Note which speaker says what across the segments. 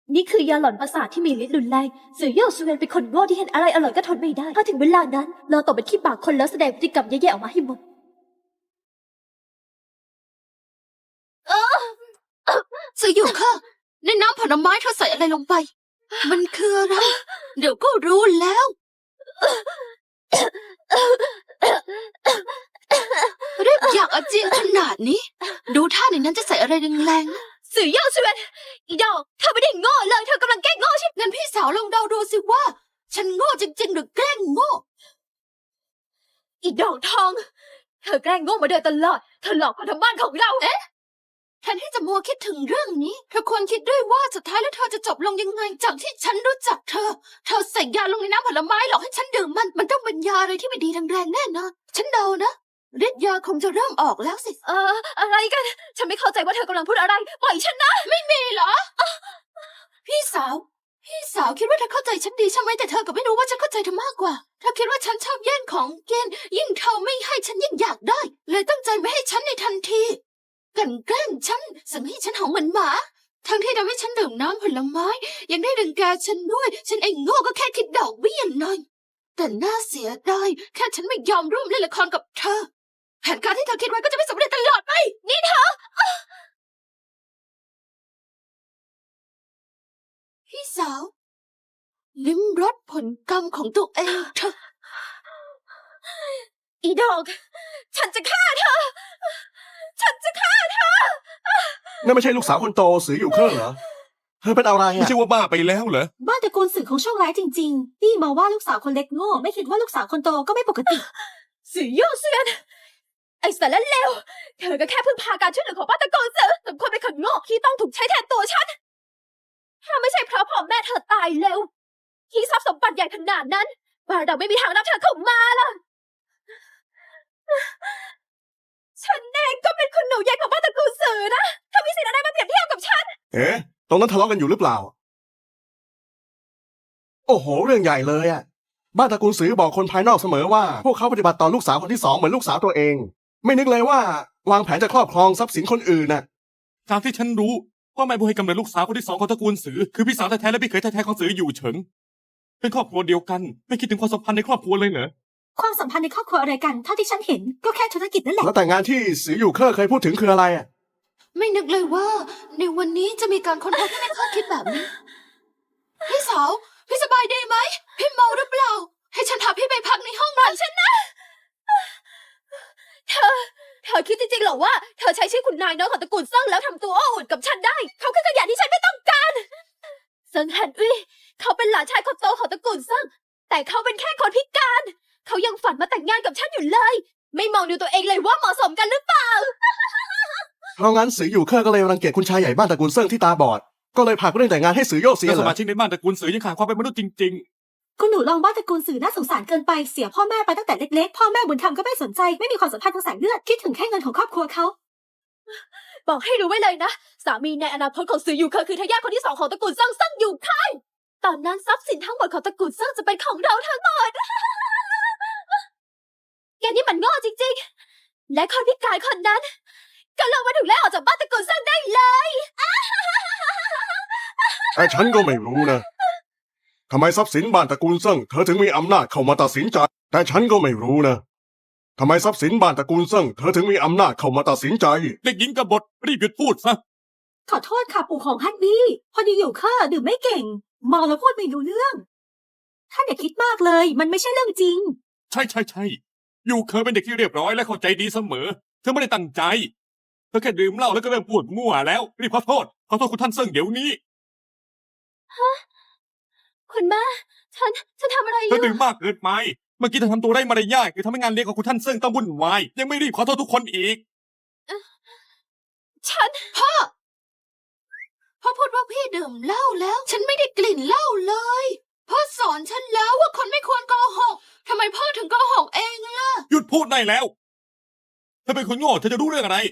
Speaker 1: นี่คือยาหลอนประสาทที่มีฤทธิ์รุนแรงสื่อเย่อซเวนเป็นคนโง่ที่เห็นอะไรอร่อยก็ทนไม่ได้ถ้าถึงเวลานั้นเราตกเป็นขี้ปากคนแล้วแสดงพฤติกรรมแย่ๆออกมาให้หมด
Speaker 2: สื่ออยู่ค่ะในน้ำผลไม้เธอใส่อะไรลงไปมันคืออะไรเดี๋ยวก็รู้แล้วเรียบอยากอาเจียนขนาดนี้ดูท่าในนั้นจะใส่อะไรแรงๆ
Speaker 1: สื่อเย่อซเวนอีดอกเธอไม่ได้โง่เลยเธอกำลังแกล้งโง่ใช่ไหม
Speaker 2: งั้นพี่สาวลองเดาดูสิว่า ฉันโง่จริงๆหรือแกล้งโง่
Speaker 1: อีดอกทองเธอแกล้งโง่มาโดยตลอดเธอหลอกคนทั้งบ้านของเรา
Speaker 2: แทนที่จะมัวคิดถึงเรื่องนี้เธอควรคิดด้วยว่าสุดท้ายแล้วเธอจะจบลงยังไงจากที่ฉันรู้จักเธอใส่ยาลงในน้ำผลไม้หลอกให้ฉันดื่มมันต้องเป็นยาอะไรที่ไม่ดีแรงๆแน่นอนฉันเดานะฤทธิ์ยาคงจะเริ่มออกแล้วสิ
Speaker 1: อะไรกันฉันไม่เข้าใจว่าเธอกำลังพูดอะไรปล่อยฉันนะ
Speaker 2: ไม่มีเหรอพี่สาวคิดว่าเธอเข้าใจฉันดีใช่ไหมแต่เธอก็ไม่รู้ว่าฉันเข้าใจเธอมากกว่าเธอคิดว่าฉันชอบแย่งของกินยิ่งเธอไม่ให้ฉันยิ่งอยากได้เลยตั้งใจไม่ให้ฉันในทันทีกลั่นแกล้งฉันสั่งให้ฉันหอมเหมือนหมาทั้งที่ทำให้ฉันดื่มน้ำผลไม้ยังได้ดึงแกฉันด้วยฉันเองโง่ก็แค่คิดดอกเบี้ยหน่อยแต่น่าเสียดายแค่ฉันไม่ยอมร่วมเล่นละครกับเธอแผนการที่เธอคิดไว้ก็จะไม่สำเร็จตลอดไปนี่เธอพี่สาวลิ้มรสผลกรรมของตัวเองเธอ
Speaker 1: อีดอกฉันจะฆ่าเธอ
Speaker 3: นั่นไม่ใช่ลูกสาวคนโตสืออยู่เครื่องเหรอเธอเป็นอะไร
Speaker 4: ไม่
Speaker 3: อ่ะ
Speaker 4: ใช่ว่าบ้าไปแล้วเหรอ
Speaker 5: บ้านตระกูลสื่อของโชคร้ายจริงๆพี่มาว่าลูกสาวคนเล็กโง่ไม่คิดว่าลูกสาวคนโตก็ไม่ปกติ
Speaker 1: สื่อเย่อซเวนไอ้สารเลวเธอก็แค่พึ่งพาการช่วยเหลือของบ้านตระกูลสื่อสมควรเป็นคนโง่ที่ต้องถูกใช้แทนตัวฉันถ้าไม่ใช่เพราะพ่อแม่เธอตายเร็วที่ทรัพย์สมบัติใหญ่ขนาดนั้นบ้านเราไม่มีทางรับเธอเข้ามาล่ะฉันเองก็เป็นคุณหนูใหญ่ของบ้านตระกูลสื่อนะเธอมีสิทธิ์อะไรมาเปรียบเทียบกับฉัน
Speaker 3: เอ๊ะตรงนั้นทะเลาะกันอยู่หรือเปล่าโอ้โหเรื่องใหญ่เลยอ่ะบ้านตระกูลสือบอกคนภายนอกเสมอว่าพวกเขาปฏิบัติต่อลูกสาวคนที่สองเหมือนลูกสาวตัวเองไม่นึกเลยว่าวางแผนจะครอบครองทรัพย์สินคนอื่นน่ะ
Speaker 4: ตามที่ฉันรู้ว่าแม่บุญให้กำเนิดลูกสาวคนที่สองของตระกูลสือคือพี่สาวแท้ๆและพี่เขยแท้ๆของสืออยู่เฉิงเป็นครอบครัวเดียวกันไม่คิดถึงความสัมพันธ์ในครอบครัวเลยเหรอ
Speaker 5: ความสัมพันธ์ในครอบครัวอะไรกันเท่าที่ฉันเห็นก็แค่ธุรกิจนั่นแหละ
Speaker 3: แล้วแต่งงานที่สืออยู่เคอร์เคยพูดถึงคืออะไรอ่ะ
Speaker 2: ไม่นึกเลยว่าในวันนี้จะมีการค้นพบที่ไม่คาดคิดแบบนี้พี่สาวพี่สบายดีไหมพี่เมาหรือเปล่าให้ฉันพาพี่ไปพักในห้องหน่อยฉันนะ
Speaker 1: เธอคิดจริงๆเหรอว่าเธอใช้ชื่อคุณนายน้อยของตระกูลเซิงแล้วทำตัวโอ้อวดกับฉันได้เขาคือขยะที่ฉันไม่ต้องการเซิงฮันอุ้ยเขาเป็นหลานชายคนโตของตระกูลเซิงแต่เขาเป็นแค่คนพิการเขายังฝันมาแต่งงานกับฉันอยู่เลยไม่มองดูตัวเองเลยว่าเหมาะสมกันหรือเปล่า
Speaker 3: เพราะงั้นสืออยู่เคอร์ก็เลยรังเกียจคุณชายใหญ่บ้านตระกูลเซิงที่ตาบอดก็เลยผลักเรื่องแต่งงานให้สือโยเสีย
Speaker 4: แต่
Speaker 3: เห
Speaker 4: ส
Speaker 3: รอ
Speaker 4: มาชิกในบ้านตระกูลสือยังขาดความเป็นมนุษย์จริง
Speaker 5: คุณหนูลองบ้านตระกูลสื่อน่าสงสารเกินไปเสียพ่อแม่ไปตั้งแต่เล็กๆพ่อแม่บุญธรรมก็ไม่สนใจไม่มีความสัมพันธ์ทางสายเลือดคิดถึงแค่เงินของครอบครัวเขา
Speaker 1: บอกให้รู้ไว้เลยนะสามีในอนาคตของสืออยู่เคอคือทายาทคนที่สองของตระกูลเซิงอยู่ค่ายตอนนั้นทรัพย์สินทั้งหมดของตระกูลเซิงจะเป็นของเราทั้งหมดแกนี่มันโง่จริงๆและคนพิการคนนั้นก็ลงมาถูกไล่ออกจากบ้านตระกูลเซิงได้เลย
Speaker 3: แต่ฉันก็ไม่รู้นะทำไมทรัพย์สินบ้านตระกูลเซิงเธอถึงมีอำนาจเข้ามาตัดสินใจแต่ฉันก็ไม่รู้นะทำไมทรัพย์สินบ้านตระกูลเซิงเธอถึงมีอำนาจเข้ามาตัดสินใจ
Speaker 4: ๆ เด็กหญิงกบฏรีบหยุดพูดซะ
Speaker 5: ขอโทษค่ะปู่ของฮันบี้พอดีอยู่เคอร์ดื่มไม่เก่งเมาแล้วพูดไม่รู้เรื่องท่านอย่าคิดมากเลยมันไม่ใช่เรื่องจริง
Speaker 4: ใช่อยู่เคยเป็นเด็กที่เรียบร้อยและเข้าใจดีเสมอเธอไม่ได้ตั้งใจเธอแค่ดื่มเหล้าแล้วก็เริ่มพูดมั่วแล้วรีบขอโทษคุณท่านเซิงเดี๋ยวนี้
Speaker 1: คุณแม่ฉันทำอะไรอ
Speaker 4: เธอยู่ ดื่มมากเกินไปเมื่อกี้เธอทำตัวไร้มารยาทคือทำให้งานเลี้ยงของคุณท่านเซิงต้องวุ่นวายยังไม่รีบขอโทษทุกคนอีก
Speaker 2: พ่อพูดว่าพี่ดื่มเหล้าแล้วฉันไม่ได้กลิ่นเหล้าเลยพ่อสอนฉันแล้วว่าคนไม่ควรโกหกทำไมพ่อถึงโกหกเองล่ะ
Speaker 4: หยุดพูดได้แล้วเธอเป็นคนโง่เธอจะรู้เรื่องอะไร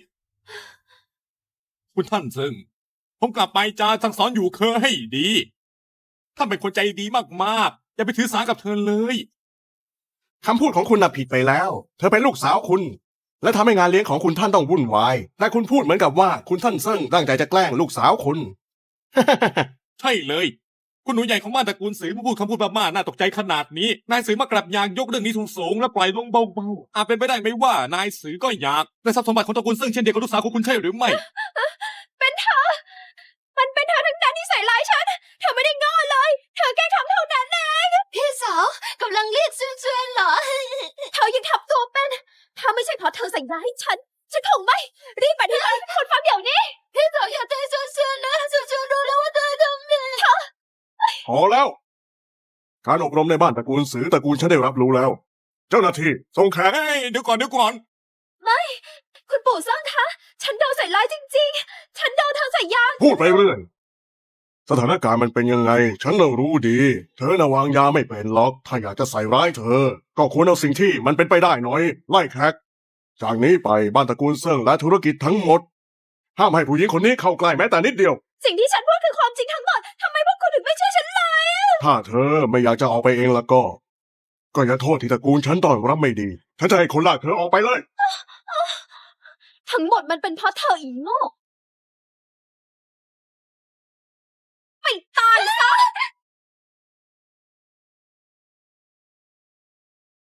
Speaker 4: คุณท่านเซิงผมกลับไปจะสั่งสอนอยู่เคอให้ดีท่านเป็นคนใจดีมากๆอย่าไปถือสากับเธอเลย
Speaker 3: คำพูดของคุณน่ะผิดไปแล้ว เธอเป็นลูกสาวคุณ และทำให้งานเลี้ยงของคุณท่านต้องวุ่นวายแต่คุณพูดเหมือนกับว่าคุณท่านเซิ่งตั้งใจจะแกล้งลูกสาวคุณ
Speaker 4: ใช่เลย คุณหนูใหญ่ของบ้านตระกูลสือมาพูดคำพูดบ้าๆน่าตกใจขนาดนี้ นายสือมากลับอยากยกเรื่องนี้สูงๆและปล่อยลงเบาๆอาจเป็นไปได้ไหมว่านายสือก็อยากได้ทรัพย์สมบัติของตระกูลซึ่งเช่นเดียวกับลูกสาวของคุณใช่หรือไม่
Speaker 1: เป็นเธอ มันเป็นเธอทั้งนั้นที่ใส่ร้ายฉัน เธอไม่ได้ง้อเลย เธอแค่ทำเท่านั้นเอง
Speaker 2: พี่สาวกำลังเรียกซื่อเจือนเหรอ
Speaker 1: เธอยังทำตัวเป็น ถ้าไม่ใช่เพราะเธอใส่ร้ายฉันคงไม่ รีบไปที่ร้านคนฟังเดี๋ยวนี้
Speaker 2: พี่สาวอย่าใจซื่อเจือนนะซื่อเจือนรู้แล้วว่าเธอทำผิด
Speaker 3: พอแล้ว การอบรมในบ้านตระกูลสือตระกูลฉันได้รับรู้แล้ว เจ้าหน้าที่ส่งแขก
Speaker 4: เฮ้ยเดี๋ยวก่อน
Speaker 1: คุณปู่ซ่างคะ ฉันโดนใส่ร้ายจริงๆ ฉันโดนเธอใส่ยา
Speaker 3: พูดไปเรื่อยสถานการณ์มันเป็นยังไง ฉันน่ะรู้ดี เธอน่ะวางยาไม่เป็นหรอก ถ้าอยากจะใส่ร้ายเธอ ก็ควรเอาสิ่งที่มันเป็นไปได้หน่อย ไล่แขกจากนี้ไปบ้านตระกูลเซิ่งและธุรกิจทั้งหมด ห้ามให้ผู้หญิงคนนี้เข้าใกล้แม้แต่นิดเดียว
Speaker 1: สิ่งที่ฉันพูดคือความจริงทั้งหมด ทำไมพวกคุณถึงไม่เชื่อฉันเลย
Speaker 3: ถ้าเธอไม่อยากจะออกไปเองแล้วก็อย่าโทษที่ตระกูลฉันต้อนรับไม่ดี ฉันจะให้คนลากเธอออกไปเลย
Speaker 1: ทั้งหมดมันเป็นเพราะเธออีโง่